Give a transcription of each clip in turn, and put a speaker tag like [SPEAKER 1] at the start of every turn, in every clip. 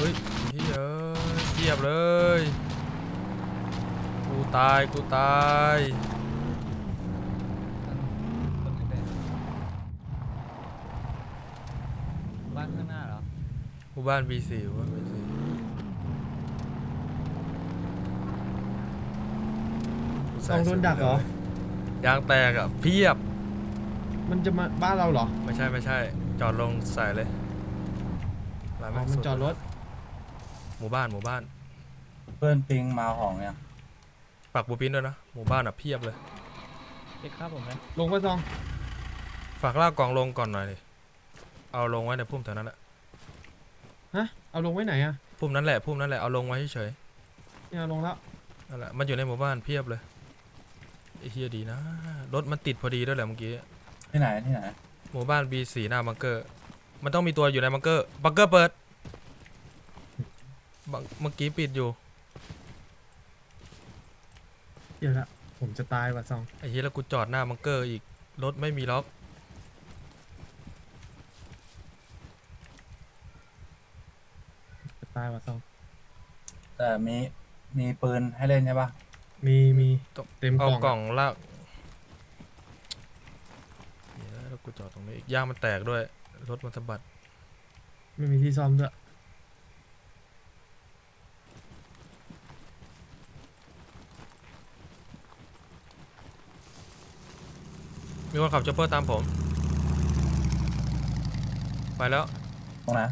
[SPEAKER 1] ฮ้ยเฮ้ยเทียบเลยกูตาย
[SPEAKER 2] บ้านข้างหน้าเหรอ
[SPEAKER 1] หมู่บ้าน B4 หมู่บ้าน B4
[SPEAKER 3] ต้องโดนดักเหรอย
[SPEAKER 1] างแตกอ่ะเพียบ
[SPEAKER 3] มันจะมาบ้านเราเหรอ
[SPEAKER 1] ไม่ใช่จอดลงใส่เลยร้าน
[SPEAKER 3] อ๋อ
[SPEAKER 1] แง
[SPEAKER 3] มัน
[SPEAKER 1] สุ
[SPEAKER 3] จอดรถ
[SPEAKER 1] หมู่บ้าน
[SPEAKER 4] เพื่อนปิงมาของเนี่ย
[SPEAKER 1] ปักบูปินด้วยนะหมู่บ้านอ่ะเพียบเลย
[SPEAKER 2] เด็กข้าผมไหม
[SPEAKER 3] ลงก็ซอง
[SPEAKER 1] ฝากลากกล่องลงก่อนหน่อยดิเอาลงไว้ในพุ่มแถวนั้นแหละ
[SPEAKER 3] ฮะเอาลงไว้ไหนอะ
[SPEAKER 1] พุ่มนั้นแหละเอาลงไว้เฉย
[SPEAKER 3] เนี่ยเอาลงแล้ว
[SPEAKER 1] ๆนั่นแหละมันอยู่ในหมู่บ้านเพียบเลยไอ้เฮียดีนะรถมันติดพอดีด้วยแหละเมื่อกี้
[SPEAKER 4] ที่ไหน
[SPEAKER 1] หมู่บ้าน B4 หน้าบังเกอร์มันต้องมีตัวอยู่ในบังเกอร์เปิดเมื่อกี้ปิดอยู่
[SPEAKER 3] เดี๋ยวละผมจะตายว่ะซอง
[SPEAKER 1] ไอ้เฮียแล้วกูจอดหน้าบังเกอร์อีกรถไม่มีล็อก
[SPEAKER 3] จะตายว่ะซอง
[SPEAKER 4] แต่มีปืนให้เล่นใช่ปะ
[SPEAKER 3] มีเต็มก
[SPEAKER 1] เอา
[SPEAKER 3] ล่อง
[SPEAKER 1] กล่องลากเหี้ยแล้วกูจอดตรงนี้อีกย่างมันแตกด้วยรถมันสะบัด
[SPEAKER 3] ไม่มีที่ซ่อมด้วย
[SPEAKER 1] มีคนขับจ็อปเปอร์ตามผมไปแล้ว
[SPEAKER 4] ตรงไหน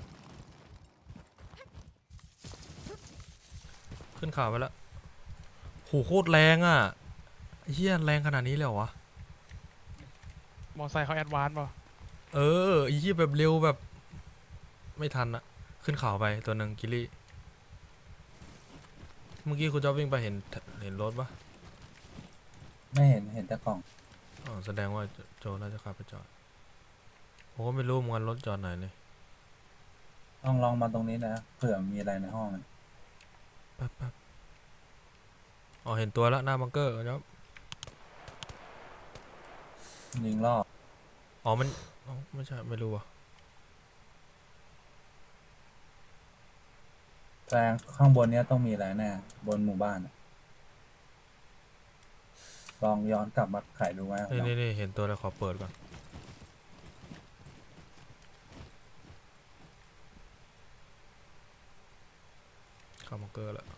[SPEAKER 1] ขึ้นข่าวไปแล้วโหโคตรแรงอ่ะไอ้เฮียแรงขนาดนี้เลยเหรอวะ
[SPEAKER 5] มอไซค์เขาแอดวานซ์ป่ะ
[SPEAKER 1] เออไอ้เฮียแบบเร็วแบบไม่ทันอะขึ้นข่าวไปตัวหนึ่งกิลลี่เมื่อกี้คุณจ๊อบวิ่งไปเห็นรถปะ
[SPEAKER 4] ไม่เห็นแต่กล่อง
[SPEAKER 1] อ๋อแสดงว่าโจน่าจะขับไปจอดผมก็ไม่รู้เหมือนกันรถจอดไหนเลย
[SPEAKER 4] ต้องลองมาตรงนี้นะเผื่อมีอะไรในห้องนะ
[SPEAKER 1] แป๊บอ๋อเห็นตัวแล้วหน้าบังเกอร์จ๊อบ
[SPEAKER 4] ยิงล่อ
[SPEAKER 1] อ๋อมันอ๋อไม่ใช่ไม่รู้ว่ะ
[SPEAKER 4] แปลงข้างบนเนี้ยต้องมีอะไรแน่บนหมู่บ้านอะลองย้อนกลับมาไขดูไหม
[SPEAKER 1] นี่เห็นตัวแล้วขอเปิดก่อนเข้าบังเกอร์แล้ว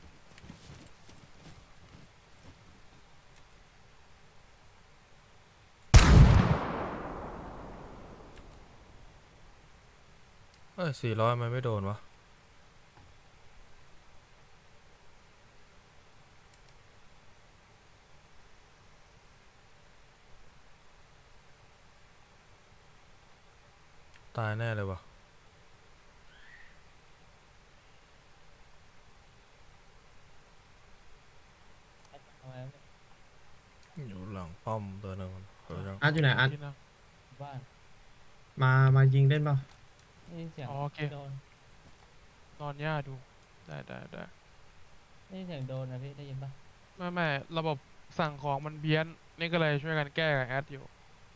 [SPEAKER 1] 400มันไม่โดนวะตายแน่เลยวะอยู่หลังป้อมตัวหนึงเฮ้ยจัง
[SPEAKER 3] อาร์ตอยู่ไหนอาร์ต
[SPEAKER 5] ที่นั่ง
[SPEAKER 2] บ้าน
[SPEAKER 3] มายิงเล่นเปล่า
[SPEAKER 2] ได้ยินเสียง
[SPEAKER 5] อ๋อโอเค
[SPEAKER 2] โดน
[SPEAKER 5] นอนหญ้าดูได้
[SPEAKER 2] ได้ยินเสียงโดนนะพี่ได้ยินปะ
[SPEAKER 5] ไม่ระบบสั่งของมันเพี้ยนนี่ก็เลยช่วยกันแก้กับแอดอยู่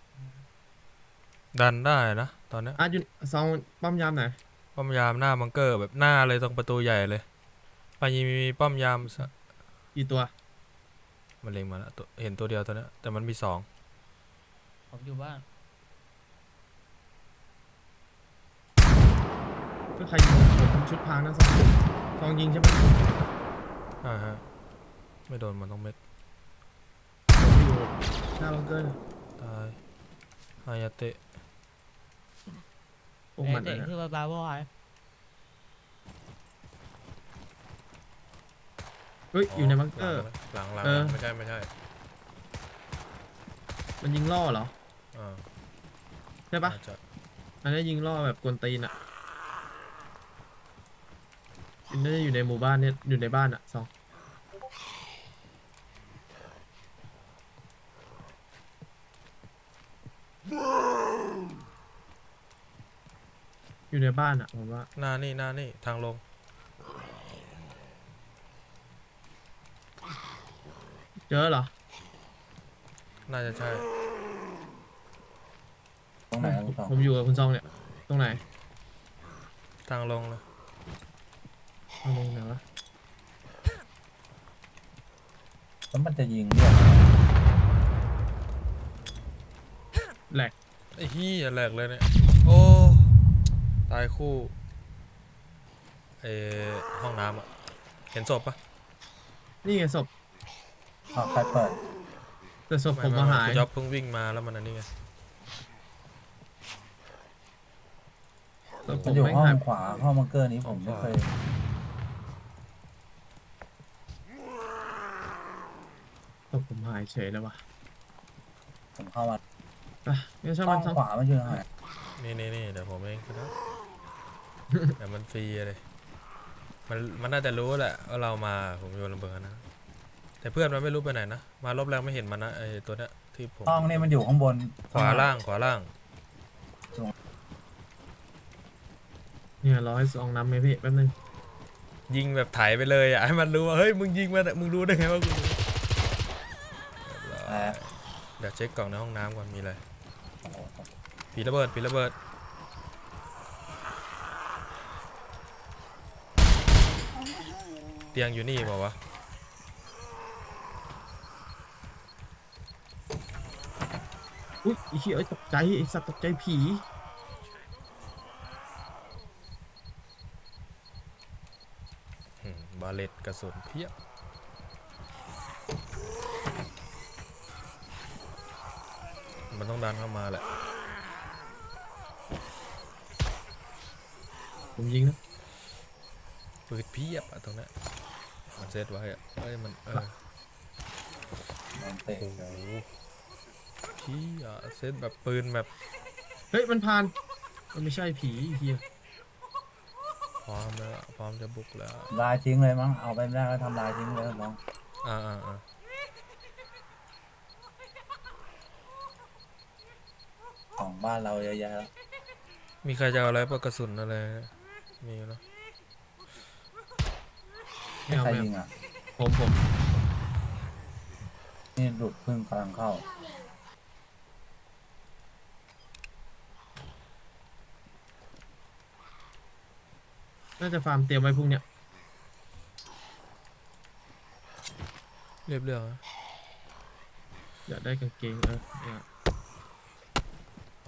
[SPEAKER 1] ดันได้นะตอนเนี้ย
[SPEAKER 3] อาร์ตอยู่ซองป้อมยามไหน
[SPEAKER 1] ป้อมยามหน้าบังเกอร์แบบหน้าเลยตรงประตูใหญ่เลยไปยิงมีป้อมยาม
[SPEAKER 3] กี่ตัว
[SPEAKER 1] มันเล็งมาแล้วตัวเห็นตัวเดียวตัวเนี้ยแต่มันมี2
[SPEAKER 2] ผมอยู่บ้าน
[SPEAKER 3] ก็ใครยิงผมชุดพรางนะซองยิงใช่ไหม
[SPEAKER 1] ฮะไม่โดนมันต้องเม็ด
[SPEAKER 3] ผมอยู่หน้าบังเกอร์
[SPEAKER 1] ตายฮายาเตะ
[SPEAKER 3] พวกมัน
[SPEAKER 2] เด็ก
[SPEAKER 3] นะ
[SPEAKER 2] คือบ้าบอย
[SPEAKER 3] เฮ้ยอยู่ในบังเกอร์
[SPEAKER 1] หลัง
[SPEAKER 3] เออ
[SPEAKER 1] ไม่ใช่
[SPEAKER 3] มันยิงล่อเหรอ
[SPEAKER 1] อ่า
[SPEAKER 3] ใช่ปะ
[SPEAKER 1] น่าจะ
[SPEAKER 3] อันนี้ยิงล่อแบบกวนตีนอะน่าจะอยู่ในหมู่บ้านเนี่ยอยู่ในบ้านอะซองอยู่ในบ้านอะผมว่า
[SPEAKER 1] หน้านี่ทางลง
[SPEAKER 3] เจอเหรอ
[SPEAKER 1] น่าจะใช่
[SPEAKER 4] ตรงไหนลูกสอง
[SPEAKER 3] ผมอยู่กับคุณซองเนี่ย ตรงไหน
[SPEAKER 1] ทางลงเลย
[SPEAKER 3] เอาลงไหนวะ
[SPEAKER 4] แล้วมันจะยิงเรียก
[SPEAKER 3] แหลก
[SPEAKER 1] ไอ้เหี้ยแหลกเลยเนี่ย โอ้ ตายคู่เออห้องน้ำอะเห็นศพปะ
[SPEAKER 3] นี่ไงศพ
[SPEAKER 4] อ้าวใครเปิด
[SPEAKER 3] แต่ศพผมมาหาย
[SPEAKER 1] คุณจ๊อบเพิ่งวิ่งมาแล้วมันอันนี้ไง
[SPEAKER 3] ศพผ
[SPEAKER 4] มัน
[SPEAKER 3] ม
[SPEAKER 4] อยู่
[SPEAKER 3] ไม่
[SPEAKER 4] ห้อง
[SPEAKER 3] หาย
[SPEAKER 4] ขวาห้องบังเกอร์นี้ผมไม่เคย
[SPEAKER 3] ศพผมหายเฉยแล้ววะ
[SPEAKER 4] ผมเข้ามา
[SPEAKER 3] ไปงั้นช่าง
[SPEAKER 4] ห้
[SPEAKER 3] มั
[SPEAKER 4] อน ง
[SPEAKER 3] ช่าง
[SPEAKER 4] ขวามันอยู่ไหน
[SPEAKER 1] นี่เดี๋ยวผมเองก็ได้แต่มันฟรีเลยมันน่าจะรู้แหละว่าเรามาผมโยนระเบิดนะ แต่เพื่อนมันไม่รู้ไปไหนนะ มารอบแรกไม่เห็นมันนะไอตัวเนี้ยที่ผม
[SPEAKER 4] ห้องนี่มันอยู่ข้างบน
[SPEAKER 1] ขวาล่าง
[SPEAKER 3] เนี่ยรอให้ซองน้ำไหมพี่แป๊บนึง
[SPEAKER 1] ยิงแบบไถไปเลยอ่ะให้มันรู้ว่าเฮ้ยมึงยิงมามึงรู้ได้ไงว่ากูรู้
[SPEAKER 4] แต่
[SPEAKER 1] เดี๋ยวเช็คกล่องในห้องน้ำก่อนมีอะไร
[SPEAKER 4] โอ้โห
[SPEAKER 1] ผีระเบิดเตียงอยู่นี่เปล่าวะ
[SPEAKER 3] อุ้ยไอ้เหี้ยเอ้ยตกใจไอ้สัตว์ตกใจผี
[SPEAKER 1] บาเลตกระสุนเพียบมันต้องดันเข้ามาแหละ
[SPEAKER 3] ผมยิงนะ
[SPEAKER 1] ปืนเพียบอะตรงเนี้ยมันเซตไว้อะเอ้ยมัน
[SPEAKER 4] โดนเตะ
[SPEAKER 1] โอ้โหพี่อะเซตแบบปืนแบบ
[SPEAKER 3] เฮ้ยมันผ่านมันไม่ใช่ผีไอ้เหี้ย
[SPEAKER 1] พร้อมแล้วพร้อมจะบุกแล้ว
[SPEAKER 4] ลายทิ้งเลยมั้งเอาไปไม่ได้ก็ทำลายทิ้งเลยมั้ง
[SPEAKER 1] อ่า
[SPEAKER 4] ของบ้านเราเยอะแยะแล้ว
[SPEAKER 1] มีใครจะเอาอะไรปะกระสุนอะไรมีอยู่เนอะ
[SPEAKER 3] ไม่เอา
[SPEAKER 4] ใคร
[SPEAKER 3] ไม่
[SPEAKER 4] ยิง
[SPEAKER 3] เอา
[SPEAKER 4] อ่ะ
[SPEAKER 3] ผม
[SPEAKER 4] นี่หลุดพึ่งกำลังเข้า
[SPEAKER 3] น่าจะฟาร์มเตรียมไว้พรุ่งเนี้ย
[SPEAKER 1] เรียบเรียงนะ
[SPEAKER 3] อยากได้กางเกงเนี่ย
[SPEAKER 1] ไป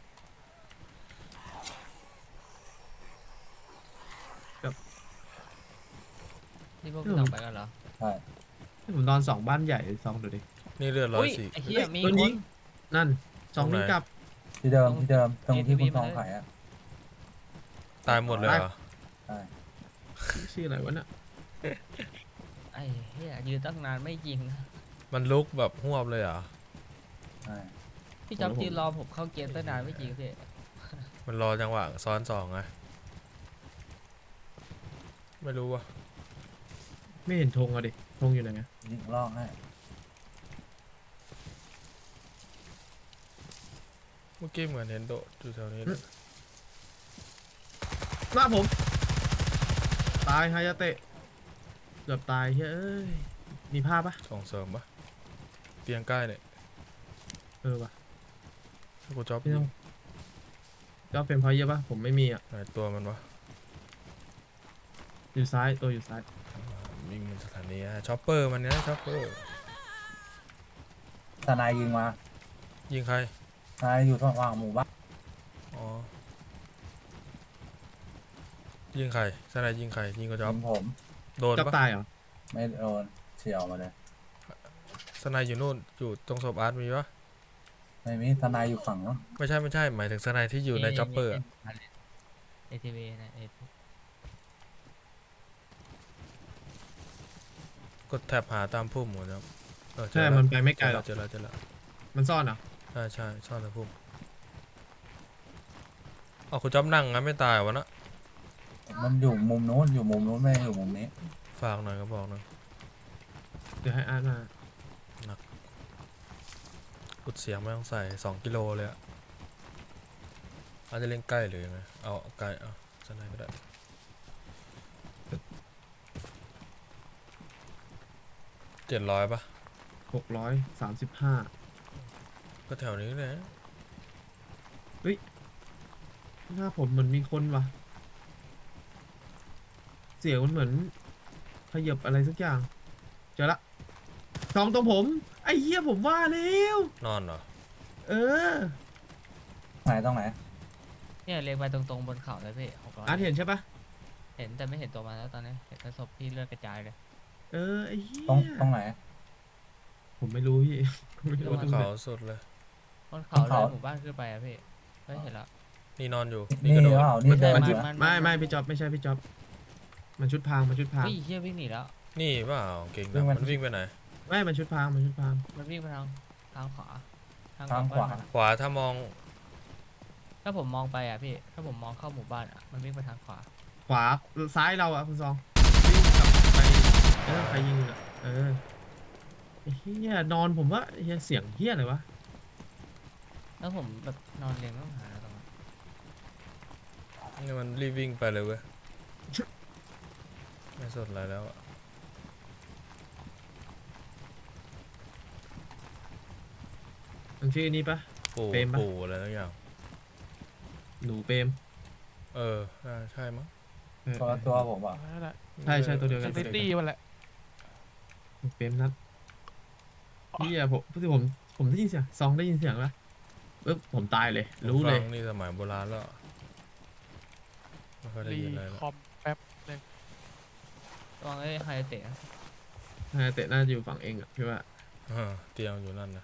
[SPEAKER 2] นี่พวกพี่ต้องไปกันเหรอ
[SPEAKER 4] ใช่
[SPEAKER 3] ให้ผมนอน2บ้านใหญ่ซองดูดิ
[SPEAKER 1] นี่เลือด
[SPEAKER 2] อุ้ย
[SPEAKER 1] 104
[SPEAKER 2] ไอ้เหี้ยมี
[SPEAKER 3] โดน
[SPEAKER 2] ค
[SPEAKER 3] ยิ
[SPEAKER 2] น
[SPEAKER 3] ง นั่นซอง
[SPEAKER 1] ตรงไหน
[SPEAKER 3] นี้กลับ
[SPEAKER 4] ที่เดิมตรงที่คุณ
[SPEAKER 2] ATV
[SPEAKER 4] ทอง
[SPEAKER 2] มาเลย
[SPEAKER 4] ขายอ่ะ
[SPEAKER 1] ตายหมดเลยเหรอ
[SPEAKER 4] ใช่
[SPEAKER 3] ชื่ออะไรวะน่ะ
[SPEAKER 2] ไอ้เหี้ยยืนตั้งนานไม่ยิงนะ
[SPEAKER 1] มันลุกแบบหวบเลยเหรอ
[SPEAKER 4] ใช่
[SPEAKER 2] พี่จ๊อบยืนรอผมเข้าเกมตั้งนานไม่ยิงพี่
[SPEAKER 1] มันรอจังหวะซ้อนสองไงไม่รู้ว่ะ
[SPEAKER 3] ไม่เห็นธงอ่ะดิธงอยู่ไหนอะ
[SPEAKER 4] ยิงลอกให้
[SPEAKER 1] เมื่อกี้เหมือนเห็นโดดอยู่แถวนี้เลย
[SPEAKER 3] หน้าผมตายฮายาเตะเกือบตายเฮ้ยเอ้ยมีภาพปะ
[SPEAKER 1] ส่งเสริมปะเตียงใกล้เนี่ย
[SPEAKER 3] เออวะ
[SPEAKER 1] ให้กูจ๊อบ
[SPEAKER 3] พี่ต้องก็เป็นเพราะเยอะปะผมไม่มีอ่ะ
[SPEAKER 1] ไหนตัวมันวะ
[SPEAKER 3] อยู่ซ้ายตัวอยู่ซ้าย
[SPEAKER 1] วิ่งมันสถานีอะช็อปเปอร์มันเนี้ยช็อปเปอร์
[SPEAKER 4] ทนายยิงมา
[SPEAKER 1] ยิงใคร
[SPEAKER 4] ทนายอยู่ระหว่างหมู่บ้าน
[SPEAKER 1] อ๋อยิงใครสนายยิงใครยิงกูจ๊
[SPEAKER 4] ยิ
[SPEAKER 1] อบ
[SPEAKER 4] งผม
[SPEAKER 1] โดน
[SPEAKER 3] จับ
[SPEAKER 1] ปะ
[SPEAKER 3] ตายเหรอ
[SPEAKER 4] ไม่โดนเฉียวมาเลย
[SPEAKER 1] สนายอยู่นู่นอยู่ตรงศพอาร์ตมีปะ
[SPEAKER 4] ไม่มีทนายอยู่ฝั่งนู้น
[SPEAKER 1] ไม่ใช่หมายถึงสนายที่อยู่ในช็อปเปอร์
[SPEAKER 2] ATV นะ
[SPEAKER 1] กดแท็บหาตามพุ่มหมดครับเจอ
[SPEAKER 3] ใช่
[SPEAKER 1] แล้ว
[SPEAKER 3] มันไปไม่ไกลหรอก
[SPEAKER 1] เจอแล้ว
[SPEAKER 3] มันซ่อนเหรอ
[SPEAKER 1] ใช่ซ่อนตามพุ่มเอาคุณจ๊อบนั่งงั้นไม่ตายวะนะ
[SPEAKER 4] มันอยู่มุมนู้นอยู่มุมนู้นไม่อยู่มุมนี้
[SPEAKER 1] ฝากหน่อยก็บอกหน่อย
[SPEAKER 3] เดี๋ยวให้อาร์ตมา
[SPEAKER 1] กุดเสียงไม่ต้องใส่2 กิโลเลยอะอาจจะเล่นใกล้หรือยังไงเอาไกลเอาสนายก็ได้700ปะ
[SPEAKER 3] 635
[SPEAKER 1] ก็แถวนี้แหละ
[SPEAKER 3] หน้าผมเหมือนมีคนวะเสียงมันเหมือนขยับอะไรสักอย่างเจอละสองตรงผมไอ้เหี้ยผมว่าแล้ว
[SPEAKER 1] นอนเหรอ
[SPEAKER 3] เออ
[SPEAKER 4] ไหนตรงไหน
[SPEAKER 2] เนี่ยเล็งไปตรงๆบนเขาเลยพี่600
[SPEAKER 3] อาร์ตเห็นใช่ปะ
[SPEAKER 2] เห็นแต่ไม่เห็นตัวมันแล้วตอนนี้เห็นแต่ศพที่เลือดกระจายเลย
[SPEAKER 3] เออไอ้เหี้ย
[SPEAKER 4] ตรงไหน
[SPEAKER 3] ผมไม่รู้พี่ ไม่รู้ว่าตรงไหน
[SPEAKER 1] เขาสุดเลย
[SPEAKER 2] บนเขา
[SPEAKER 4] บน
[SPEAKER 2] เล
[SPEAKER 4] เขา
[SPEAKER 2] ยหมู่บ้านขึ้นไปอะพี่เฮ้ยเห็นแล้ว
[SPEAKER 1] นี่นอนอยู่
[SPEAKER 4] นี่
[SPEAKER 1] กระโดด
[SPEAKER 4] เปล่านี่เดิน
[SPEAKER 3] มัน
[SPEAKER 4] อ
[SPEAKER 3] ชุด
[SPEAKER 4] ยู่อะ
[SPEAKER 3] ไม่พี่จ๊อบไม่ใช่พี่จ๊อบมันชุดพรางมันชุดพราง
[SPEAKER 2] วิ่งเชี่ยวิ่งหนีแล้ว
[SPEAKER 1] นี่เปล่าเก่งนะมันวิ่งไปไหน
[SPEAKER 3] ไม่มันชุดพรางมันชุดพราง
[SPEAKER 2] มันวิ่งไปทางขวา
[SPEAKER 4] ทาง
[SPEAKER 2] กลับ
[SPEAKER 4] ขวา
[SPEAKER 2] บ้นมันอะ
[SPEAKER 1] ขวาถ้ามอง
[SPEAKER 2] ถ้าผมมองไปอ่ะพี่ถ้าผมมองเข้าหมู่บ้านอ่ะมันวิ่งไปทางขวา
[SPEAKER 3] ขวาซ้ายเราอะคุณซองวิ่งกลับไปใครยิงอะเออไอ้เฮียนอนผมว่าไอ้เฮียเสียงเฮียอะไรวะ
[SPEAKER 2] แล้วผมแบบนอนเรียงต้องหาตรงนั้น
[SPEAKER 1] นี่มันรีบวิ่งไปเลยเว้ยไม่สนอะไรแล้วอะ
[SPEAKER 3] มันชื่อนี้ปะ
[SPEAKER 1] ปู่
[SPEAKER 3] เปรมปะ
[SPEAKER 1] ปู่อะไรทั้งอย่าง
[SPEAKER 3] หนูเปรม
[SPEAKER 1] เออใช่มั้ง
[SPEAKER 3] เออ
[SPEAKER 4] ตัวผมอ่ะ
[SPEAKER 5] นั่นแหละ
[SPEAKER 3] ใช่ตัวเดียวกั
[SPEAKER 5] ซิ
[SPEAKER 3] นตัวเดียว
[SPEAKER 5] ตี้
[SPEAKER 3] กัน
[SPEAKER 5] มันแหละ
[SPEAKER 3] เปรมนัดเฮียผมได้ยินเสียงซองได้ยินเสียงปะปึ๊บผมตายเลย รู้เลย
[SPEAKER 1] ฟังนี่สมัยโบราณแล้วอะไม่ค่อยได้
[SPEAKER 5] รี
[SPEAKER 1] ยินอะไรแล้ว
[SPEAKER 5] คอมแป๊บ
[SPEAKER 2] ระวังไอ้ไฮเตะนะ
[SPEAKER 3] เตะน่าจะอยู่ฝั่งเองอะพี่ว่า
[SPEAKER 1] เตียงอยู่นั่นนะ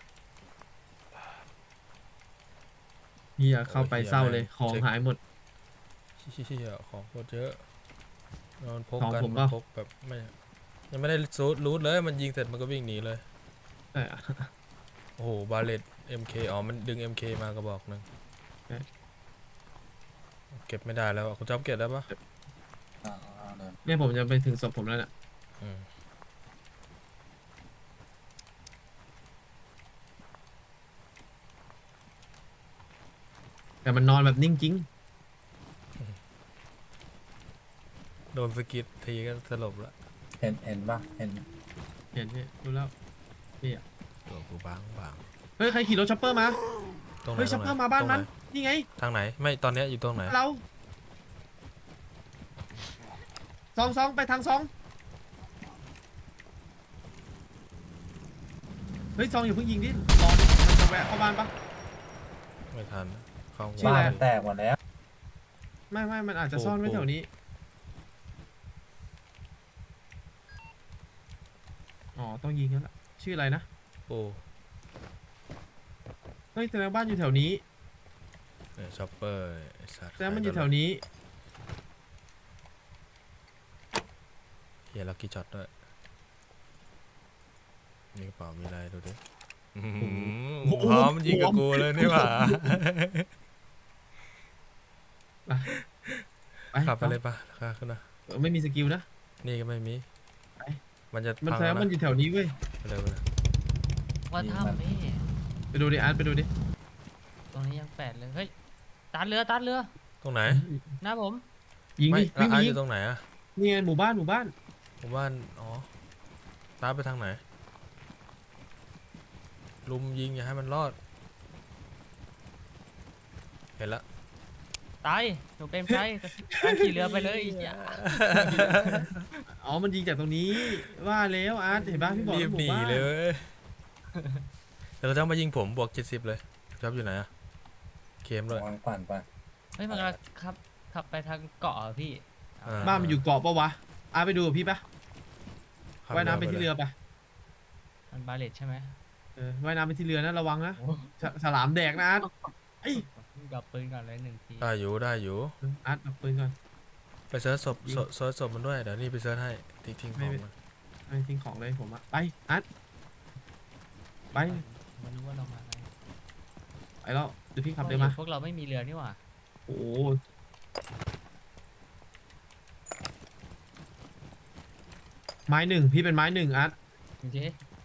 [SPEAKER 3] เฮียเข้าไปเศร้าเลยของหายหมด
[SPEAKER 1] เชี่ยของโคตรเยอะนอนพก
[SPEAKER 3] ของ
[SPEAKER 1] กัน
[SPEAKER 3] ผม
[SPEAKER 1] มัน
[SPEAKER 3] ปะ
[SPEAKER 1] พกแบบไม่ยังไม่ได้รูทเลยมันยิงเสร็จมันก็วิ่งหนีเลย
[SPEAKER 3] เออ
[SPEAKER 1] โอ้โหบาเลต MK อ๋อมันดึง MK มากระบอกหนึ่ง
[SPEAKER 3] เอ๊ะ
[SPEAKER 1] เก็บไม่ได้แล้วอะคุณจ๊อบเก็บได้ปะ
[SPEAKER 4] เดิน
[SPEAKER 3] เนี่ยผมจะไปถึงศพผมแล้วเนี่ย
[SPEAKER 1] อืม
[SPEAKER 3] แต่มันนอนแบบนิ่งจริง
[SPEAKER 1] โดนสะกิดทีก็สลบละ
[SPEAKER 4] เห็นปะเห็น
[SPEAKER 3] เห็นพี่รู้แล้วนี่อะ
[SPEAKER 1] ตัวกูบาง
[SPEAKER 3] เฮ้ยใครขี่รถช็อปเปอร์มา
[SPEAKER 1] ตรงไหน
[SPEAKER 3] เฮ้ยช็อปเปอร์มาบ้าน
[SPEAKER 1] ตรงไห
[SPEAKER 3] มันนี่ไง
[SPEAKER 1] ทางไหนไม่ตอนเนี้ยอยู่ตรงไหน
[SPEAKER 3] เราซองไปทางซองเฮ้ยซองอย่าเพิ่งยิงดิรอดิมันจะแวะเข้าบ้านปะ
[SPEAKER 1] ไม่ทันเข้าหัว
[SPEAKER 3] ชื่อ
[SPEAKER 4] บ้า
[SPEAKER 3] อะไร
[SPEAKER 4] นแตกหมดแล้ว
[SPEAKER 3] ไม่มันอาจจะซ่อนไว้แถวนี้อ๋อต้องยิงกันละชื่ออะไรนะ
[SPEAKER 1] โอ้
[SPEAKER 3] เฮ้ยแสดงบ้านอยู่แถวนี้
[SPEAKER 1] เนี่ยช็อปเปอร์ไอ้สัตว์
[SPEAKER 3] แสดงมันอยู่แถวนี้
[SPEAKER 1] เฮียลักกี้ช็อตด้วยมีกระเป๋ามีอะไรดูดิ
[SPEAKER 3] โอ้โห
[SPEAKER 1] พร้อมยิงกับกูเลยนี่หว่า
[SPEAKER 3] ไป
[SPEAKER 1] ขับไปเลยปะค่าขึ้นนะ
[SPEAKER 3] ไม่มีสกิลนะ
[SPEAKER 1] นี่ก็ไม่มี
[SPEAKER 3] ไป
[SPEAKER 1] มันจะ
[SPEAKER 3] มัน
[SPEAKER 1] พัง
[SPEAKER 3] แสดง
[SPEAKER 1] แล้ว
[SPEAKER 3] มันอ
[SPEAKER 1] นะ
[SPEAKER 3] ยู่แถวนี้เว้ย
[SPEAKER 1] ไปเลย
[SPEAKER 2] ว่าถ้ำนี่
[SPEAKER 3] ไปดูดิอาร์ตไปดูดิ
[SPEAKER 2] ตรงนี้ยัง8เลยเฮ้ยตัดเรือ
[SPEAKER 1] ตรงไหน
[SPEAKER 2] หน้าผม
[SPEAKER 3] ยิง
[SPEAKER 1] ไม่
[SPEAKER 3] ดิ
[SPEAKER 1] แล้ว
[SPEAKER 3] วิ่ง
[SPEAKER 1] อาร์ต
[SPEAKER 3] ยิ
[SPEAKER 1] อง ยู่ตรงไหนอะ
[SPEAKER 3] นี่ไงหมู่บ้าน
[SPEAKER 1] ผมว่าอ๋อตามไปทางไหนลุมยิงอย่าให้มันรอด เห็นละ
[SPEAKER 2] ตายหนูเป็นใจการขี่เรือไปเลยไอ้เหี้ย
[SPEAKER 3] อ๋อมันยิงจากตรงนี้ว่าแล้วอาร์ตเห็นป่ะพี่บอก
[SPEAKER 1] รีบ
[SPEAKER 3] ห
[SPEAKER 1] หนี
[SPEAKER 3] มู่บ้าน
[SPEAKER 1] เลยเว้ยแต่เราจะมายิงผมบวก70เลยจ๊อบอยู่ไหนอะเคมด้วย
[SPEAKER 4] วางปั่นไป
[SPEAKER 2] เฮ้ยมันกำลังขับไปทางเกาะอะพี่
[SPEAKER 3] บ้านมันอยู่เกาะปะวะอาร์ตไปดูกับพี่ปะ
[SPEAKER 1] ขับ
[SPEAKER 3] ว่ายน้ำไปที่เรือปะ
[SPEAKER 2] มันบาเลตใช่ไหม
[SPEAKER 3] ว่ายน้ำไปที่เรือนะระวังนะ
[SPEAKER 2] โอ้
[SPEAKER 3] ฉลามแดกนะอาร์ตไอ้ย
[SPEAKER 2] ดับปืนก่อนเลย1 ที
[SPEAKER 1] ได้อยู่
[SPEAKER 3] อาร์ตเอาปืนก่อน
[SPEAKER 1] ไปเซิร์ชศพ
[SPEAKER 3] ยิง
[SPEAKER 1] เซิร์ชศพมันด้วยเดี๋ยวนี่ไปเซิร์ชให้ทิ้งของมัน
[SPEAKER 3] ไม่ทิ้งของเลยผมอะไปอาร์ตไป
[SPEAKER 2] มันรู้ว่าเรามาไง
[SPEAKER 3] ไปแล้วเดี๋ยวพี่ขับเดี๋ยวมา
[SPEAKER 2] พวกเราไม่มีเรือนี่หว่า
[SPEAKER 3] โอ้โหไม้หนึ่งพี่เป็นไม้หนึ่งอาร์ต
[SPEAKER 2] จริง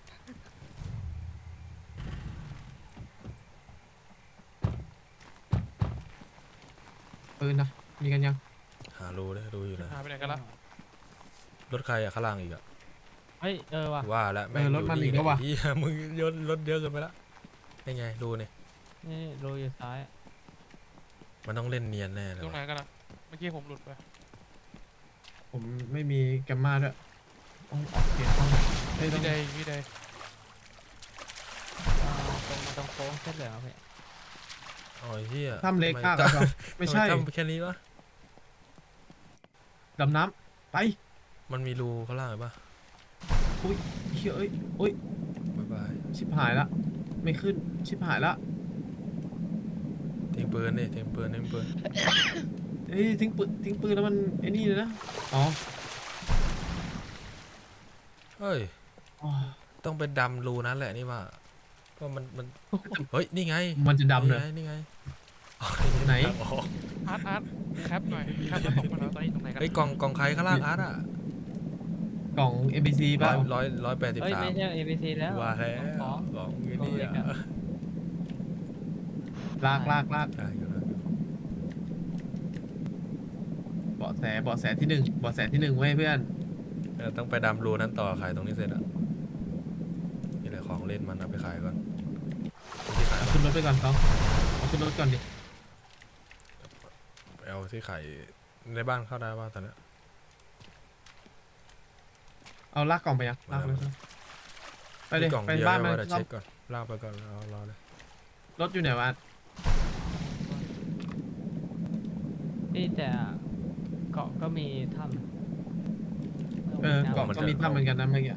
[SPEAKER 3] ปืนนะมีกันยัง
[SPEAKER 1] หารูเลยรูอยู่นะ
[SPEAKER 5] หายไปไหนกันละ
[SPEAKER 1] รถใครอะข้างล่างอีกอะ
[SPEAKER 2] เฮ้ยว่ะ
[SPEAKER 1] ว่าแล้วแม่ง
[SPEAKER 3] รถมันอีกแล้วว่ะ
[SPEAKER 1] เหี้ยมึงยนรถเยอะเกินไปละยังไงดูนี่
[SPEAKER 2] นี่โรยอยู่ซ้าย
[SPEAKER 1] มันต้องเล่นเนียนแน่เลย
[SPEAKER 5] ตรงไหน
[SPEAKER 1] ว่ะ
[SPEAKER 5] กันอะเมื่อกี้ผมหลุดไป
[SPEAKER 3] ผมไม่มีแกมมาด้วยต้องออกเกมต้องเฮ้ยต้อ
[SPEAKER 5] พี่
[SPEAKER 3] ง
[SPEAKER 5] ใดพี่ใด
[SPEAKER 2] ตรงมาตรงโค้งเส้นเหลืองครับพี่
[SPEAKER 1] อ๋อไอ้เหี้ย
[SPEAKER 3] ถ้ำเล็ก
[SPEAKER 1] ทำ
[SPEAKER 3] มาก
[SPEAKER 1] ไม
[SPEAKER 3] ครับซองไม่ใช่
[SPEAKER 1] ทำแค่นี้วะ
[SPEAKER 3] ดำน้ำไป
[SPEAKER 1] มันมีรูข้างล่างหรือปะ
[SPEAKER 3] อุ้ยเฮ้ยเอ้ยอุ้ย
[SPEAKER 1] บ๊ายบาย
[SPEAKER 3] ชิบหายละไม่ขึ้นชิบหายละ
[SPEAKER 1] ทิ้งปืนดิทิ้งปืนทิ้งปืน
[SPEAKER 3] เฮ้ยทิ้งปืนแล้วมันไอ้นี่เลยนะอ๋อ
[SPEAKER 1] เฮ้ย
[SPEAKER 3] อ๋อ
[SPEAKER 1] ต้องไปดำรูนั้นแหละนี่ว่าเพราะมันเฮ้ยนี่ไง
[SPEAKER 3] มันจะดำเลย
[SPEAKER 1] นี่ไง
[SPEAKER 3] ไหน
[SPEAKER 1] อ๋อ
[SPEAKER 5] อาร์ตแคปหน่อยแคปแล้วตกมาแล้วตอนนี้ตรงไหนกัน
[SPEAKER 1] เฮ้ยกล่องใครข้างล่างอาร์ตอ่ะ
[SPEAKER 3] กล่อง NPC ป่ะ
[SPEAKER 1] 183
[SPEAKER 2] เฮ้ยไม่ใช่ ABC แล้ว
[SPEAKER 1] ว่าแล้ว
[SPEAKER 2] ของ
[SPEAKER 1] ของ
[SPEAKER 2] ข
[SPEAKER 1] นี่
[SPEAKER 2] องเล็ก
[SPEAKER 1] อ่ะ
[SPEAKER 2] อะ
[SPEAKER 3] ลาก
[SPEAKER 1] ได้อยู่แล้ว
[SPEAKER 3] เบาะแสที่หนึ่งไว้เพื่อน
[SPEAKER 1] ต้องไปดำรูนั้นต่อขายตรงนี้เสร็จอ่ะนี่แหละของเล่นมันเอาไปขายก่อนที่ขาย
[SPEAKER 3] เอาขึ้นรถไปก่อนต้องเอาขึ้นรถก่อนดิ
[SPEAKER 1] ไปเอาที่ขายในบ้านเข้าได้บ้างตอนเนี้ย
[SPEAKER 3] เอาลากกล่องไปยังลากไปเลยไปเลย
[SPEAKER 1] มีกล่อง
[SPEAKER 3] ไป
[SPEAKER 1] เดียว
[SPEAKER 3] บ้าน
[SPEAKER 1] ไว้
[SPEAKER 3] มัน
[SPEAKER 1] เดี๋ยวเช็คก่อนลากไปก่อนรอเลย
[SPEAKER 3] รถอยู่ไหนวะ
[SPEAKER 2] พี่แต่เกาะก็มีถ้ำ
[SPEAKER 3] กล่องก็มีถ้ำเหมือนกันนะเมื่อกี้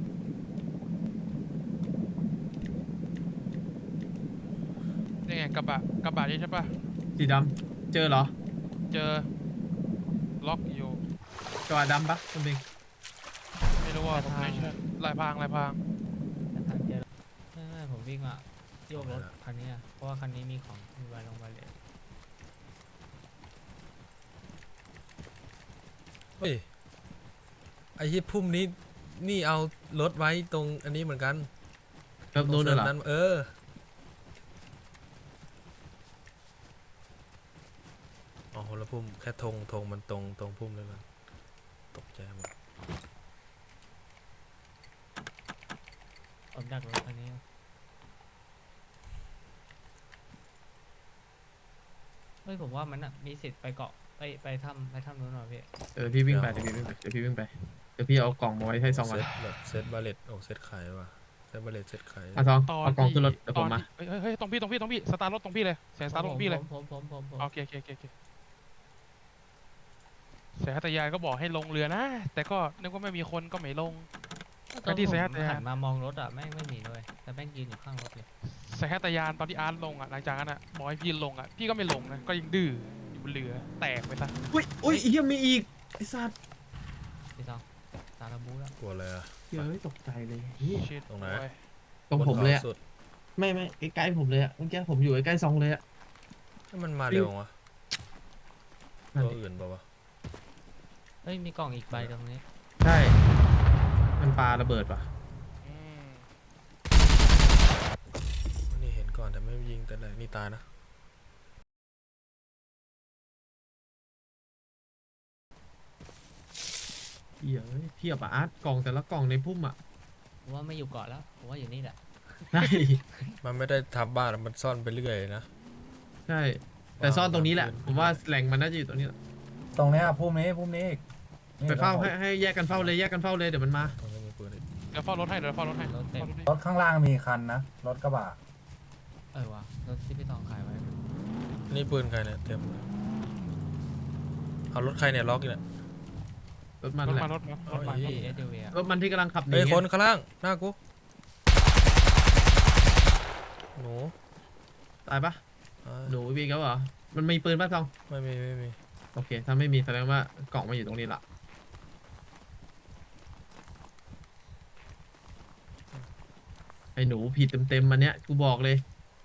[SPEAKER 5] นี่ไงกระบะนี่ใช่ปะ
[SPEAKER 3] สีดำเจอเหรอ
[SPEAKER 5] เจอล็อกอยู่
[SPEAKER 3] กระบะดำปะคุณเบง
[SPEAKER 5] ไม่รู้ว่าผมไม่ใช่ลายพราง
[SPEAKER 2] แต่ทางเจอไม่ผมวิ่งมาโยกรถคันนี้อะเพราะว่าคันนี้มีของมีไวลงไวเลย
[SPEAKER 1] เฮ้ยไอ้ที่พุ่มนี้นี่เอารถไว้ตรงอันนี้เหมือนกัน
[SPEAKER 3] เริ่มนู้นเลยเหรอ
[SPEAKER 1] นั้นอ๋อคนละพุ่มแค่ธงมันตรงพุ่มเลยมันตกใจหมด
[SPEAKER 2] ผมดักรถคันนี้เฮ้ยผมว่ามันอะมีสิทธิ์ไปเกาะไปถ้ำนู้นหน่อยพี่
[SPEAKER 3] พี่วิ่งไปเดี๋ยวพี่วิ่งไปเดี๋ยวพี่เอากล่องมาไว้ให้ซองก่อน
[SPEAKER 1] เซตแบบเซตบาเลตเซตขายว่ะเซตบาเลตเซตขาย
[SPEAKER 3] อ่ะซอง
[SPEAKER 5] ตอน
[SPEAKER 3] เอากล่องขึ้นรถ
[SPEAKER 5] ที่
[SPEAKER 3] เดี๋ยวผมมา
[SPEAKER 5] เฮ้ยตรงพี่สตาร์ทรถตรงพี่เลยแสงสตาร์ทรถตรงพี่เลย
[SPEAKER 2] ผม
[SPEAKER 5] โอเคแสงตะยานก็บอกให้ลงเรือนะ แต่ก็นึกว่าไม่มีคนก็ไม่ลง
[SPEAKER 2] ตอน
[SPEAKER 5] ที่
[SPEAKER 2] ที่
[SPEAKER 5] แซ
[SPEAKER 2] ผ
[SPEAKER 5] ด
[SPEAKER 2] ม
[SPEAKER 5] เนี่ย
[SPEAKER 2] หันมามองรถอะแม่งไม่มีเลยแต่แม่งยืนอยู่ข้างรถเลย
[SPEAKER 5] แสงตะยานตอนที่อาร์ตลงอ่ะหลังจากนั้นอ่ะบอกให้พี่ลงอ่ะพี่ก็ไม่ลงนะก็ยังดื้ออยู่บนเรือแตกไปซะ
[SPEAKER 3] อุ้ยเฮียมีอีกไอ้สัตว์
[SPEAKER 2] พี่ซองตาระบูแล้ว
[SPEAKER 1] กลัวเลยอะ
[SPEAKER 3] เฮ้ยตกใจเลยเหี้ย
[SPEAKER 5] ชิด
[SPEAKER 1] ตรงไหน
[SPEAKER 5] โอ้ย
[SPEAKER 3] ตรงผมเลยอะ
[SPEAKER 1] บนขาสุด
[SPEAKER 3] ไม่ใกล้ๆผมเลยอะเมื่อกี้ผมอยู่ใกล้ๆซองเลยอะ
[SPEAKER 1] ให้มันมาเร็ววะ
[SPEAKER 3] นั่น
[SPEAKER 1] ตัว
[SPEAKER 3] ดิ
[SPEAKER 1] อื่นเปล่าวะ
[SPEAKER 2] เฮ้ยมีกล่องอีกใบตรงนี้
[SPEAKER 3] ใช่มันปาระเบิดป่ะ
[SPEAKER 5] อืม
[SPEAKER 1] นี่เห็นก่อนแต่ไม่ยิงแต่แรกนี่ตายนะ
[SPEAKER 3] เหี้ยเอ้ยเทียบอะอาร์ตกล่องแต่ละกล่องในพุ่มอะ
[SPEAKER 2] ผมว่าไม่อยู่เกาะแล้วผมว่าอยู่นี่แหละ
[SPEAKER 3] ใช่
[SPEAKER 1] มันไม่ได้ทับบ้านมันซ่อนไปเรื่อยนะ
[SPEAKER 3] ใช่แต่ซ่อนตรงนี้แหละผมว่าแหล่งมันน่าจะอยู่ตรงนี้แหละ
[SPEAKER 4] ตรงเนี้ยพุ่มนี้อีกนี่
[SPEAKER 3] ไปเฝ้า
[SPEAKER 4] ตรงผม
[SPEAKER 3] ให้แยกกันเฝ้าเลยเดี๋ยวมันมา
[SPEAKER 1] ตรงนี้มีปืนอีก
[SPEAKER 5] เดี๋ยวเฝ้ารถให้เฝ้ารถให้
[SPEAKER 2] รถเต็ม
[SPEAKER 4] รถข้างล่างมีคันนะ รถกระบะ
[SPEAKER 2] ว่ะรถที่พี่ซองขายไว้
[SPEAKER 1] นี่ปืนใครเนี่ยเต็มเลยเอารถใครเนี่ยล็อกอยู่เนี่ย
[SPEAKER 3] รถมัน
[SPEAKER 5] รถ
[SPEAKER 3] แหละ
[SPEAKER 5] มารถมา
[SPEAKER 1] เอา
[SPEAKER 5] รถมา
[SPEAKER 1] อี
[SPEAKER 2] ที่ SUV อะ
[SPEAKER 3] รถมันที่กำลังขับหนี
[SPEAKER 1] เฮ้ย
[SPEAKER 3] ไง
[SPEAKER 1] คนข้างล่างหน้ากูหนู
[SPEAKER 3] ตายปะ
[SPEAKER 1] อ่า
[SPEAKER 3] หนูวีเขาเหรอมันมีปืนป่ะซอง
[SPEAKER 1] ไม่มี
[SPEAKER 3] โอเคถ้าไม่มีแสดงว่ากล่องมันอยู่ตรงนี้ละไอ้หนูผิดเต็มมันเนี้ยกูบอกเลย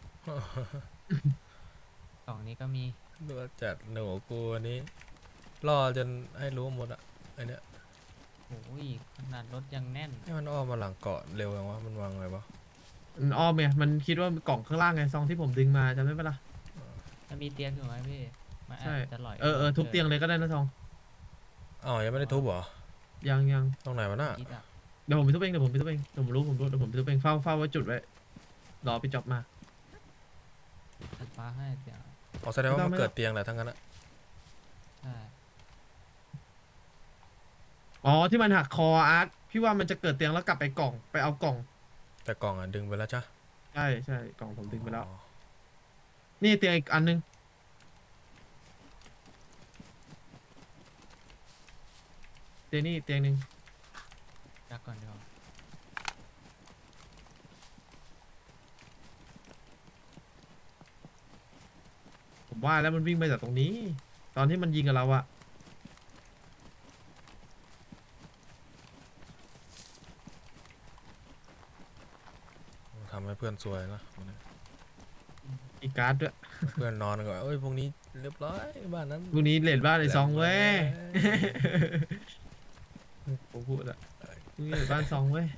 [SPEAKER 2] กล่องนี้ก็มี
[SPEAKER 1] ดูจัดหนูกูอันนี้ล่อจนให้รู้หมดอะไอเนี้ย
[SPEAKER 2] โอ้ยขนาดรถยังแน่น
[SPEAKER 1] ให้มันอ้อมมาหลังเกาะเร็วอย่างวะมันวางไงวะ
[SPEAKER 3] มันอ้อมไงมันคิดว่ากล่องข้างล่างไงซองที่ผมดึงมาจำได้ปะล่ะ
[SPEAKER 2] มันมีเตียงอยู่ไหมพี่มันอา
[SPEAKER 3] ใช่
[SPEAKER 2] จจะหลอย
[SPEAKER 3] ทุบเตียงเลยก็ได้นะซอง
[SPEAKER 1] อ๋อยังไม่ได้ทุบเหรอ
[SPEAKER 3] ยัง
[SPEAKER 1] ตรงไหนวะน่ะ
[SPEAKER 2] คิดอะ
[SPEAKER 3] เดี๋ยวผมไปทุบเองเดี๋ยวผมรู้เดี๋ยวผมไปทุบเองเฝ้าไว้จุดไว้รอไปจ็อบมา
[SPEAKER 2] ตัดฟ้าให้เตียง
[SPEAKER 1] อ๋อแสดงว่ามัน
[SPEAKER 3] ไม่ต้อง
[SPEAKER 1] เกิดเตียงแหละทั้งนั้นอะ
[SPEAKER 2] ใช่
[SPEAKER 3] อ๋อที่มันหักคออาร์ตพี่ว่ามันจะเกิดเตียงแล้วกลับไปกล่องไปเอากล่อง
[SPEAKER 1] แต่กล่องอ่ะดึงไปแล้วจ้ะ
[SPEAKER 3] ใช่ใช่กล่องผมดึงไปแล้ว
[SPEAKER 1] อ๋อ
[SPEAKER 3] นี่เตียงอีกอันนึงเตียงนี่เตียงหนึ่ง
[SPEAKER 2] ดักก่อนเดี๋ยว
[SPEAKER 3] ผมว่าแล้วมันวิ่งไปจากตรงนี้ ตอนที่มันยิงกับเราอะ
[SPEAKER 1] ทำให้เพื่อนซวยนะวันนี้
[SPEAKER 3] อีกการ์ดด้วย
[SPEAKER 1] เพื่อนนอนก็เอ้ยพวกนี้เรียบร้อยบ้านนั้น
[SPEAKER 3] พรุ่งนี้เลดบ้านไอ้ซองเว้ย
[SPEAKER 1] เรียบร้อย
[SPEAKER 3] ผมพูดอะพรุ่งนี้เลดบ้านซองเว้ย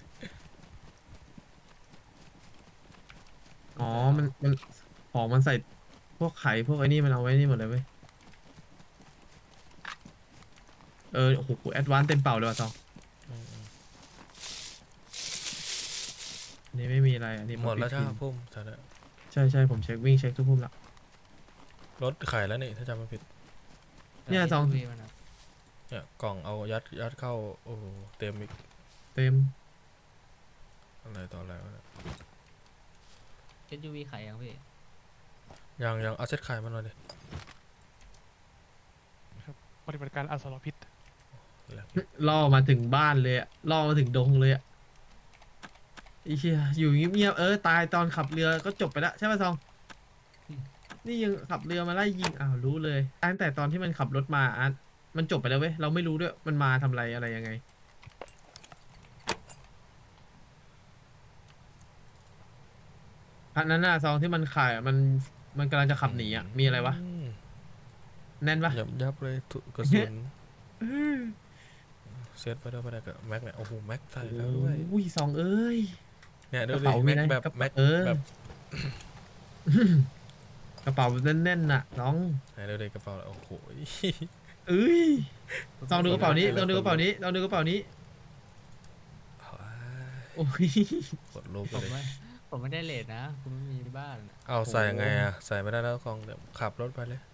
[SPEAKER 3] อ๋อ มันของมันใส่พวกไข่พวกไอ้นี่มันเอาไว้นี่หมดเลยเว้ย โอ้โหแอดวานซ์เต็มเป่าเลยว่ะซอง
[SPEAKER 1] อืม
[SPEAKER 3] อันนี้ไม่มีอะไรอันนี้
[SPEAKER 1] หมดแล้ว
[SPEAKER 3] ปิ
[SPEAKER 1] จ้า
[SPEAKER 3] พิน
[SPEAKER 1] พุ่มใช่แล้ว
[SPEAKER 3] ใช่ใช่ผมเช็ควิ่งเช็คทุกพุ่มละ
[SPEAKER 1] รถไข่แล้วนี่ถ้าจำไม่ผิด
[SPEAKER 3] เนี่ยซอง
[SPEAKER 2] วีมันอะ
[SPEAKER 1] เนี่ยกล่องเอายัดเข้าโอ้โหเต็มอีก
[SPEAKER 3] เต็ม
[SPEAKER 1] อะไรต่ออะไรวะเนี่ย
[SPEAKER 2] SUV ขายยังพี่
[SPEAKER 1] ยังเอาเซ็ตไข่มาหน่อยดิ
[SPEAKER 5] ปฏิบัติการอสรพิษ
[SPEAKER 1] แล้ว
[SPEAKER 3] ล่อมาถึงบ้านเลยอะล่อมาถึงดงเลยอะไอ้เชี่ยอยู่เงียบๆตายตอนขับเรือก็จบไปแล้วใช่ป่ะซอง นี่ยังขับเรือมาไล่ยิงอ้าวรู้เลยตั้งแต่ตอนที่มันขับรถมาอ่ะมันจบไปแล้วเว้ยเราไม่รู้ด้วยมันมาทำอะไรอะไรยังไงพันนั้นน่ะซองที่มันขายอะมันกำลังจะขับหนีอ่ะมีอะไรวะ
[SPEAKER 1] ม
[SPEAKER 3] แน่นปะ
[SPEAKER 1] ยับเลยทุกกระสุนเซตไปด้วยไปได้กับแม็กเนี่ยโอ้โหแม็กใส่แล้วด้วย
[SPEAKER 3] โอ้ยซองเอ้ย
[SPEAKER 1] เนี่ยดู
[SPEAKER 3] กระ
[SPEAKER 1] ดิ
[SPEAKER 3] เป๋ามี
[SPEAKER 1] แม็ก
[SPEAKER 3] นะ
[SPEAKER 1] แบบ
[SPEAKER 3] กระเป๋า
[SPEAKER 1] แม็ก แบบ
[SPEAKER 3] กระเป๋าแน่นๆน่ะน้อง
[SPEAKER 1] ไหนดูดิกระเป๋าโอ้โห
[SPEAKER 3] เอ้ยซองดูกระเป๋านี้ลองดูกระเป๋านี้ลองดูกระเป๋านี้โอ้ย
[SPEAKER 1] กดรูปไป
[SPEAKER 2] ผม
[SPEAKER 1] เลย
[SPEAKER 2] ไม่ผมไม่ได้เลทนะคุณไม่มีบ้านอะ
[SPEAKER 1] เอาใส่ยังไงอ่ะใส่ไม่ได้แล้วกองเดี๋ยวขับรถไปเลย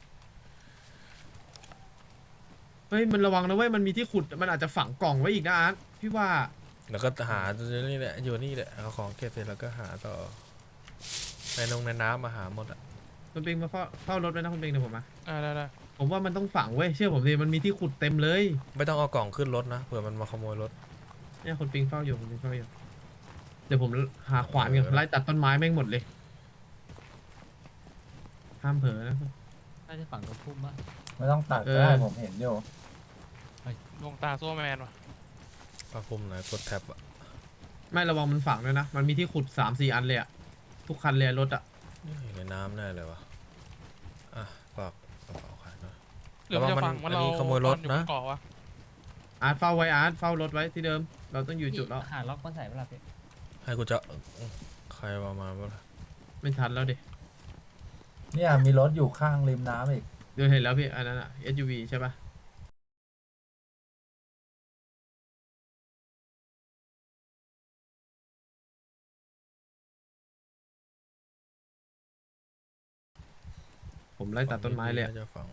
[SPEAKER 3] เฮ้ยมันระวังนะเว้ยมันมีที่ขุดมันอาจจะฝังกล่องไว้อีกนะอาร์ตพี่ว่า
[SPEAKER 1] แล้วก็หานี่แหละอยู่นี่แหละเอาของเก็บเสร็จแล้วก็หาต่อในน้ำมาหาหมดอ่ะ
[SPEAKER 3] คุณปิงมาเฝ้ารถไว้นะคุณปิงเดี๋ยวผมมา
[SPEAKER 5] ได้
[SPEAKER 3] ผมว่ามันต้องฝังเว้ยเชื่อผมดิมันมีที่ขุดเต็มเลย
[SPEAKER 1] ไม่ต้องเอากล่องขึ้นรถนะเผื่อมันมาขโมยรถ
[SPEAKER 3] เนี่ยคุณปิงเฝ้าอยู่คุณปิงเฝ้าอยู่เดี๋ยวผมหาขวานกันไล่ตัดต้นไม้แม่งหมดเลยห้ามเผลอนะ
[SPEAKER 2] น่าจะฝั่งตรงพุ่มปะ
[SPEAKER 4] ไม่ต้องตัดก็ได้ผมเห็นอยู่
[SPEAKER 5] ดวงตาโซ่แมนว่ะ
[SPEAKER 1] ปาพุ่มไหนกดแท็บอ่ะ
[SPEAKER 3] ไม่ระวังมันฝังด้วยนะมันมีที่ขุด3-4 อันเลยอะทุกคันเลยรถอะ
[SPEAKER 1] นี่ในน้ำแน่เลยวะอ่ะฝากกระเป๋าขายหน่อย
[SPEAKER 5] หรือมันจะฟัง
[SPEAKER 1] ระวังมัน
[SPEAKER 5] ว่าเรา
[SPEAKER 1] อันนี้ขโมยรถ
[SPEAKER 5] ตออยู่บ
[SPEAKER 1] นะ
[SPEAKER 5] เกาะวะ
[SPEAKER 3] อาร์ตเฝ้าไว้อาร์ตเฝ้ารถไว้ที่เดิม เราต้องอยู่จุดแล้ว
[SPEAKER 2] หาล็อกมาใส่เวลาพี่
[SPEAKER 1] ให้กูจะใครมาบ้าง
[SPEAKER 3] ไม่ทันแล้วดิ
[SPEAKER 4] เนี่ยมีรถอยู่ข้างริมน้ำอีก
[SPEAKER 3] เดี๋ยวเห็นแล้วพี่อันนั้นอะ SUV ใช่ปะผมไล่ตัดต้นไม้เลยอะ
[SPEAKER 1] น่าจะฝัง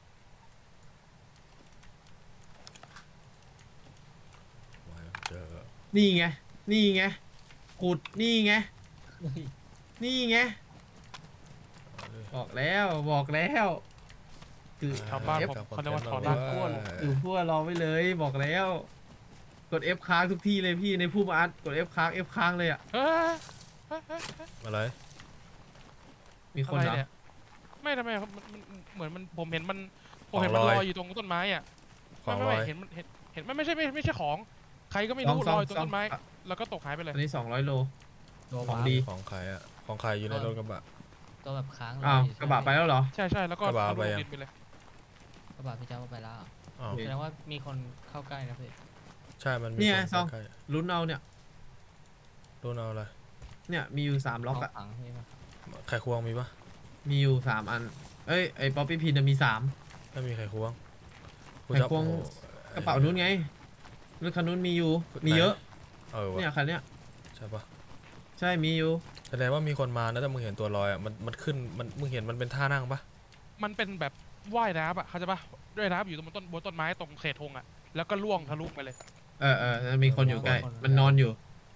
[SPEAKER 1] ไว้เจอ
[SPEAKER 3] นี่ไง นี่ไงขุด นี่ไง นี่ไง
[SPEAKER 1] เอาดิ
[SPEAKER 3] บอกแล้วบอกแล้วคือ
[SPEAKER 5] ชาวบ้าน
[SPEAKER 3] F
[SPEAKER 5] ผมเขาเรียกว่าถอน
[SPEAKER 1] ครั
[SPEAKER 5] ราก
[SPEAKER 1] บ
[SPEAKER 5] ก้วน
[SPEAKER 3] อยู่พวกรอไว้เลยบอกแล้ว กด F ค้างทุกที่เลยพี่ในผู้มาอัดกด F ค้าง F ค้างเลยอ่ะ
[SPEAKER 5] เฮ้ย
[SPEAKER 1] อะไร
[SPEAKER 3] มีคน
[SPEAKER 5] อะไร
[SPEAKER 3] เหรอ
[SPEAKER 5] เนี่ยไม่ทำไมครับมันเหมือนมันผมเห็นมันผม
[SPEAKER 1] ของ
[SPEAKER 5] เห็นมัน
[SPEAKER 1] ล
[SPEAKER 5] ล
[SPEAKER 1] อย
[SPEAKER 5] อยอยู่ตรงต้นไม้อ่ะ
[SPEAKER 1] ของล
[SPEAKER 5] ไม่
[SPEAKER 1] อย
[SPEAKER 5] เห็นมันเห็นมันไม่ใช่ของ ใครก็ไม่รู้ลอยตรงต้นไม้ แล้วก็ตกหายไปเลย
[SPEAKER 3] อันนี้200 โล
[SPEAKER 2] ตัว
[SPEAKER 3] ของ
[SPEAKER 2] วาร์ป
[SPEAKER 3] ดี
[SPEAKER 1] ของขายอ่ะของขายอยู่ในรถกระบะ
[SPEAKER 2] ตัวแบบค้าง
[SPEAKER 3] อ้าว
[SPEAKER 2] ยู่
[SPEAKER 3] กระบะไปแล้วเหรอ
[SPEAKER 5] ใช่แล้วก็
[SPEAKER 1] กระบะ
[SPEAKER 5] เอา
[SPEAKER 1] ไป
[SPEAKER 5] ลง
[SPEAKER 1] ยัง
[SPEAKER 5] ดินไปเลย
[SPEAKER 2] กระบะพี่เจ้าเอาไปแล้ว
[SPEAKER 1] อ้าว
[SPEAKER 3] โอเค
[SPEAKER 2] แสดงว่ามีคนเข้าใกล้นะพี่
[SPEAKER 1] ใช่มันมี
[SPEAKER 3] เนี่ย
[SPEAKER 1] คน
[SPEAKER 3] ซอง
[SPEAKER 1] ใกล้
[SPEAKER 3] ลุ้นเอาเนี่ย
[SPEAKER 1] ๆรุ่นเอาอะไร
[SPEAKER 3] เนี่ยมีอยู่3ล็อกอะ
[SPEAKER 2] เาฝังพี่มา
[SPEAKER 1] ไข่ควงมีปะ
[SPEAKER 3] มีอยู่3อันเอ้ยไอ้ป๊อปปี้พินมี3
[SPEAKER 1] ไม่มีไข่ควงกู
[SPEAKER 3] ไข่
[SPEAKER 1] จะ
[SPEAKER 3] ควง
[SPEAKER 1] โอ้โห
[SPEAKER 3] กระเป๋านู้นไงรถคันนู้นมีอยู่มีเยอะ
[SPEAKER 1] เออวะ
[SPEAKER 3] เนี่ยคันเนี้ย
[SPEAKER 1] ใช่ปะ
[SPEAKER 3] ใช่มีอยู่
[SPEAKER 1] แสดงว่ามีคนมานะแต่มึงเห็นตัวลอยอ่ะมันขึ้นมึงเห็นมันเป็นท่านั่งปะ
[SPEAKER 5] มันเป็นแบบว่ายน้ำอ่ะเขาใจปะว่ายน้ำอยู่ตรงบนต้นไม้ตรงเศษธงอ่ะแล้วก็ล่วงทะลุไปเลย
[SPEAKER 3] มีคนอยู่ใกล้มันนอนอยู่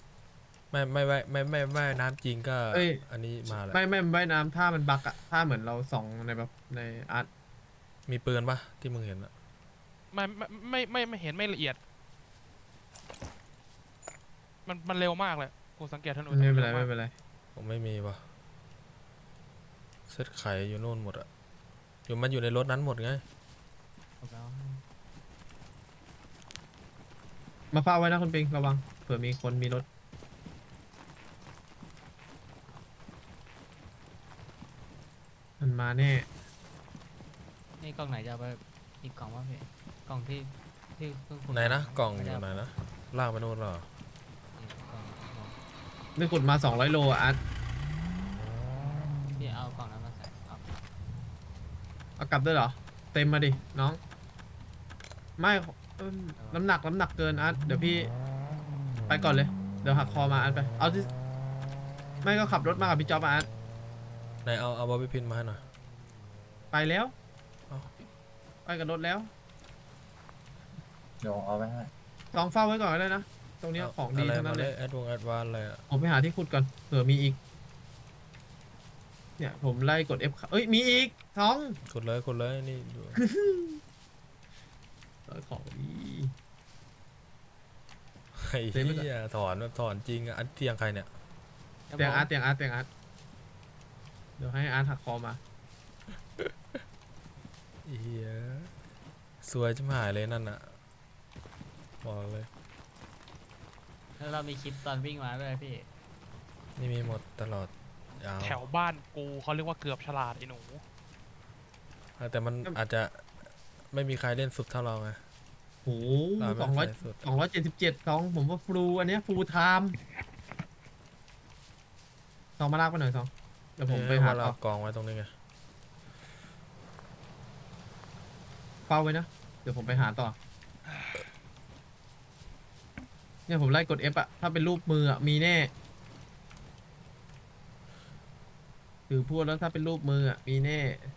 [SPEAKER 1] ไม่น้ำจริงก็
[SPEAKER 3] เอ้ย
[SPEAKER 1] อันนี้มาแล้ว
[SPEAKER 3] ไม่ว่ายน้ำท่ามันบักอะท่าเหมือนเราส่องในแบบในอาร์ต
[SPEAKER 1] มีปืนปะที่มึงเห็นอะ
[SPEAKER 5] ไม่เห็นไม่ละเอียด มันเร็วมากเลยกูสังเกตถนน
[SPEAKER 3] ไม่เป็นไร
[SPEAKER 5] ว
[SPEAKER 3] ไม่
[SPEAKER 5] มาก
[SPEAKER 3] เป็นไร
[SPEAKER 1] ผมไม่มีปะเซตไข่อยู่โน่นหมดอะมันอยู่ในรถนั้นหมดไง
[SPEAKER 2] ผมแล้ว
[SPEAKER 3] มาเฝ้าไว้นะคุณปิงระวังเผื่อมีคนมีรถมันมาแน่
[SPEAKER 2] นี่กล่องไหนจะเอาไปอีกกล่องวะพี่กล่องที่เพิ่งขุด
[SPEAKER 1] ไหนนะ
[SPEAKER 2] มาก
[SPEAKER 1] ล่อง
[SPEAKER 2] ไม่
[SPEAKER 1] อ
[SPEAKER 2] ได้
[SPEAKER 1] ยู่
[SPEAKER 2] เา
[SPEAKER 1] ไหนนะลากไปโน่นเหรอ
[SPEAKER 2] อีกกล่อง
[SPEAKER 3] นี่ขุดมา200 โลอะอาร์ต
[SPEAKER 2] พี่เอากล่องนั้นมาใส่เอา
[SPEAKER 3] เอากลับด้วยเหรอเต็มมาดิน้องไม่น้ำหนักเกินอาร์ตเดี๋ยวพี่ไปก่อนเลยเดี๋ยวหักคอมาอาร์ตไปเอาที่ไม่ก็ขับรถมากับพี่จ๊อบอาร์ต
[SPEAKER 1] ไหนเอาบอบบี้พินมาให้หน่อย
[SPEAKER 3] ไปแล้ว
[SPEAKER 1] เอ้า
[SPEAKER 3] ไปกับรถแล้ว
[SPEAKER 4] เดี๋ยวเอาไปให้
[SPEAKER 3] ลองเฝ้าไว้ก่อนก็ได้นะตรงเนี้ยของดี
[SPEAKER 1] อะไร
[SPEAKER 3] ทั้ง
[SPEAKER 1] มา
[SPEAKER 3] นั้น
[SPEAKER 1] เล
[SPEAKER 3] เลย ย
[SPEAKER 1] แอดวานอะไรอะ
[SPEAKER 3] ผมไปหาที่ขุดก่อนเผื่อมีอีกเนี่ยผมไล่กด F เอ้ยมีอีกท้อง
[SPEAKER 1] กดเลยนี่ดู
[SPEAKER 3] ของดี
[SPEAKER 1] ไอ้เหี้ยถอนแบบถอนจริงอะอันเตียงใครเนี่ย
[SPEAKER 3] เตียงอาร์ตเดี๋ยวให้อาร์ตหักคอมา
[SPEAKER 1] เหี้ยสวยจิ๋มหายเลยนั่นอะบอกเลย
[SPEAKER 2] แล้วเรามีคลิปตอนวิ่งมาด้วยพี่
[SPEAKER 1] นี่มีหมดตลอดยาว
[SPEAKER 5] แถวบ้านกูเขาเรียกว่าเกือบฉลาดไอ้หนู
[SPEAKER 1] แต่มันอาจจะไม่มีใครเล่นสุดเท่าเราไง
[SPEAKER 3] โห
[SPEAKER 1] เรา
[SPEAKER 3] สองร้อย
[SPEAKER 1] ไม่ใส่สุด
[SPEAKER 3] 277ท้องผมว่าฟลูอันเนี้ยฟูลไทม์ท้องมาลากไปหน่อยท้องเดี๋ยวผมไปหา
[SPEAKER 1] เรา
[SPEAKER 3] ต่อก
[SPEAKER 1] องไว้ตรงนี้ไง
[SPEAKER 3] เฝ้าไว้นะเดี๋ยวผมไปหาต่อเนี่ยผมไล่กด F อะถ้าเป็นรูปมืออะมีแน่ถือพูดแล้วถ้าเป็นรูปมืออะมีแน่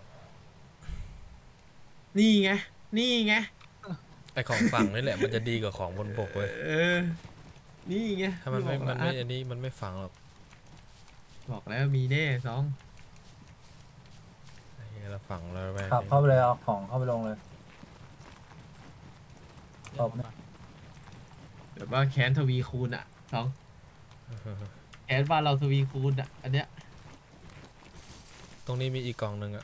[SPEAKER 3] นี่ไง
[SPEAKER 1] ไอของฝั่งนี่แหละ มันจะดีกว่าของบนบกเว้ย
[SPEAKER 3] นี่ไง
[SPEAKER 1] ถ้ามันไม่
[SPEAKER 3] บอกแล้ว
[SPEAKER 1] อันนี้มันไม่ฝังหรอก
[SPEAKER 3] บอกแล้วมีแน่สอง
[SPEAKER 1] ไอ้เหี้ยเราฝังเราไป
[SPEAKER 4] ขับเข้าไปเลยเอาของเข้าไปลงเลย ครับ
[SPEAKER 3] แบบว่าแค้นทวีคูณอะสองแค้นบ้านเราทวีคูณอะอันเนี้ย
[SPEAKER 1] ตรงนี้มีอีกกล่องหนึ่งอะ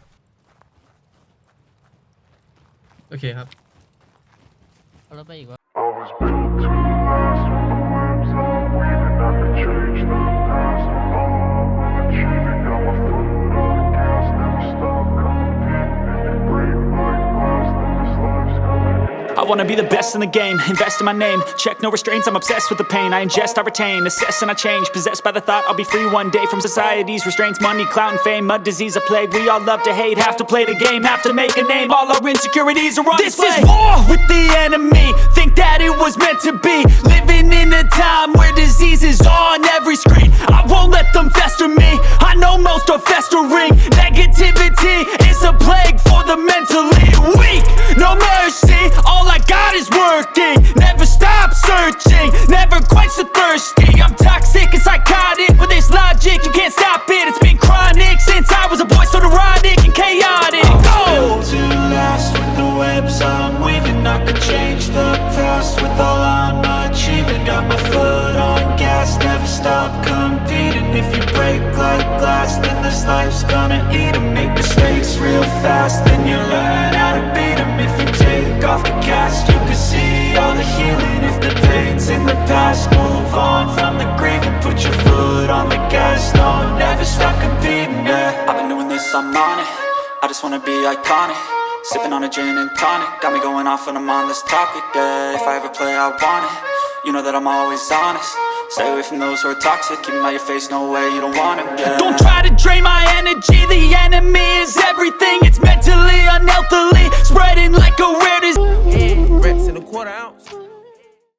[SPEAKER 3] โอเคครับ
[SPEAKER 2] เอารถไปอีกวะ
[SPEAKER 6] I was built to last when the webs are weaving. I could change the past with all I'm achieving. Got my foot on the gas, never stop competing. If you break like glass, then this life's gonna end.
[SPEAKER 7] I wanna be the best in the game, invest in my name. Check no restraints, I'm obsessed with the pain. I ingest, I retain, assess and I change. Possessed by the thought I'll be free one day from society's restraints. Money, clout and fame, a disease, a plague. We all love to hate, have to play the game, have to make a name. All our insecurities are on display. This is war with the enemy, think that it was meant to be. Living in a time where disease is on every screen. I won't let them fester me, I know most are festering. Negativity is a plague for the mentally weak. No mercy, all I got is working. Never stop searching, never quench the thirsty. I'm toxic and psychotic with this logic, you can't stop it. It's been chronic since I was a boy, so neurotic and chaotic. Go! Built to last with the webs I'm weaving. I could change the past with all I'm achieving. Got my foot on gas, never stop competing. If you break like glass, then this life's gonna eat 'em. Make mistakes real fast, then you learn how to beat 'em. If you take off the cast, you can see all the healing. If the pain's in the past, move on from the grave and put your foot on the gas. No, never stop competing, yeah. I've been doing this, I'm on it. I just wanna be iconic. Sipping on a gin and tonic, got me going off when I'm on this topic, yeah. If I ever play, I want it. You know that I'm always honest. Stay away from those who are toxic. Keep 'em out your face, no way, you don't want it, yeah. Don't try to drain my energy. The enemy is everything. It's mentally, unhealthily, spreading like a rare disease.
[SPEAKER 8] Reps in a quarter ounce.